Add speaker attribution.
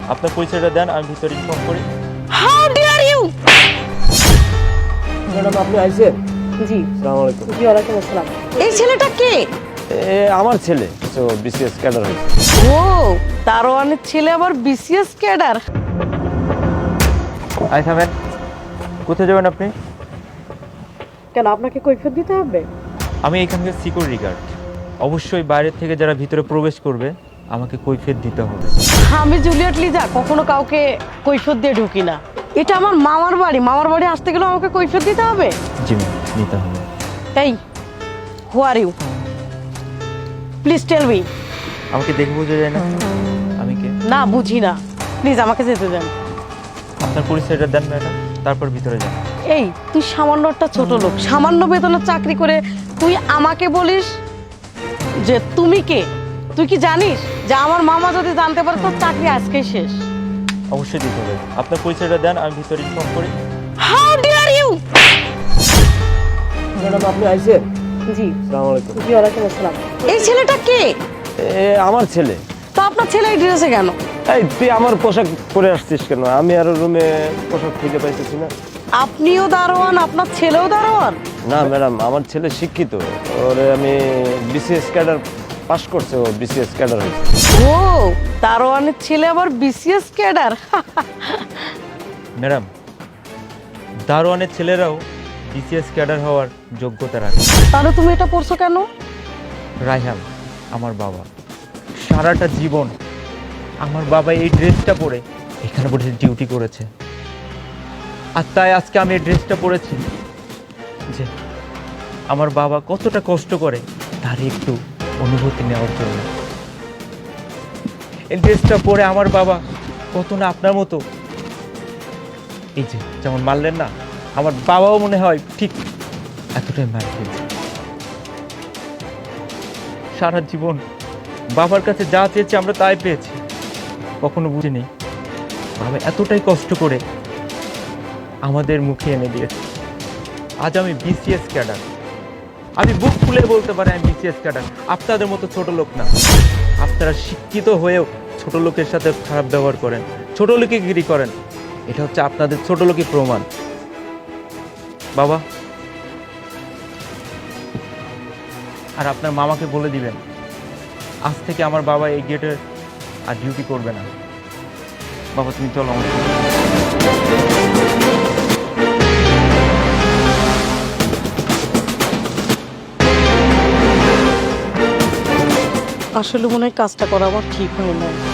Speaker 1: আপনার পরিচয়টা দেন, আমি ভিতরে ইনফর্ম করি।
Speaker 2: How deer you!
Speaker 3: ম্যাডাম আপনি আইছেন?
Speaker 2: জি,
Speaker 3: আসসালামু আলাইকুম।
Speaker 2: জি ওয়ালাইকুম আসসালাম। এই ছেলেটা কে?
Speaker 3: আমার ছেলে তো বিসিএস ক্যাডার হয়েছে।
Speaker 2: ও, দারোয়ানের ছেলে আবার বিসিএস ক্যাডার।
Speaker 1: আই থামেন, কোথায় যাবেন আপনি?
Speaker 2: কেন আপনাকে কৈফিয়ত দিতে হবে?
Speaker 1: আমি এখানকার সিকিউরিটি গার্ড। অবশ্যই বাইরের থেকে যারা ভিতরে প্রবেশ করবে আমাকে কৈফিয়ত দিতে হবে।
Speaker 2: আমি জুলিয়েট লিজা কখনো কাউকে কৈফিয়ত দিয়ে ঢুকি না। এটা আমার মামার বাড়ি, মামার বাড়ি আসতে গেলে আমাকে কৈফিয়ত দিতে হবে?
Speaker 1: জি ম্যাম, দিতে হবে।
Speaker 2: এই, who are you? Please tell me.
Speaker 1: আমাকে দেখে বোঝা যায় না আমি কে?
Speaker 2: না বুঝি না, প্লিজ আমাকে যেতে দেন।
Speaker 1: আপনার পরিচয়টা দেন ম্যাডাম, তারপর ভিতরে যান।
Speaker 2: এই, তুই সামান্য একটা ছোট লোক, সামান্য বেতনের চাকরি করে তুই আমাকে বলিস যে তুমি কে? তুই কি জানিস যে আমার মামা যদি জানতে পারে তোর চাকরি আজকেই শেষ?
Speaker 1: অবশ্যই দিতে হবে। আপনার পরিচয়টা দেন, আমি ভিতরে ইনফর্ম করি।
Speaker 2: How deer you!
Speaker 3: ম্যাডাম আপনি আইছেন?
Speaker 2: জি,
Speaker 3: আসসালামু আলাইকুম।
Speaker 2: জি ওয়ালাইকুম আসসালাম। এই ছেলেটা কে?
Speaker 3: আমার ছেলে।
Speaker 2: তো আপনার ছেলে এই ড্রেসে কেন?
Speaker 3: এই তুই আমার পোশাক পরে আসছিস কেন? আমি আর রুমে পোশাক খুঁজে পাইতেছি না।
Speaker 2: আপনিও দারোয়ান, আপনার ছেলেও দারোয়ান?
Speaker 3: না ম্যাডাম, আমার ছেলে শিক্ষিত। ওরে আমি বিসিএস ক্যাডার পাস করছে, ও বিসিএস ক্যাডার হয়েছে।
Speaker 2: ও, দারোয়ানের ছেলে আবার বিসিএস ক্যাডার।
Speaker 1: ম্যাডাম, দারোয়ানের ছেলেরাও বিসিএস ক্যাডার হওয়ার যোগ্যতা রাখে।
Speaker 2: তাহলে তুমি এটা পড়ছো কেন?
Speaker 1: রায়হান আমার বাবা, সারাটা জীবন আমার বাবা এই ড্রেসটা পরে এখানে বসে ডিউটি করেছে। আর তাই আজকে আমি এই ড্রেসটা পরেছি যে আমার বাবা কতটা কষ্ট করে তার একটু অনুভূতি নেওয়ার জন্য। এই ড্রেসটা পরে আমার বাবা কত না আপনার মতো, এই যে যেমন মারলেন না, আমার বাবাও মনে হয় ঠিক এতটাই মার খেয়েছে। সারা জীবন বাবার কাছে যা চেয়েছি আমরা তাই পেয়েছি, কখনো বুঝিনি বাবা এতটাই কষ্ট করে আমাদের মুখে এনে দিয়েছে। আজ আমি বিসিএস ক্যাডার, আমি বুক খুলে বলতে পারি আমি বিসিএস ক্যাডার। আপনাদের মতো ছোট লোক না, আপনারা শিক্ষিত হয়েও ছোট লোকের সাথে খারাপ ব্যবহার করেন, ছোট লোকিগিরি করেন। এটা হচ্ছে আপনাদের ছোট লোকই প্রমাণ। বাবা, আর আপনার মামাকে বলে দিবেন আজ থেকে আমার বাবা এই গেটে আর ডিউটি করবে না। বাবা তুমি চলো আমার সাথে।
Speaker 2: আসলে মনে হয় কাজটা করা আমার ঠিক হয় না।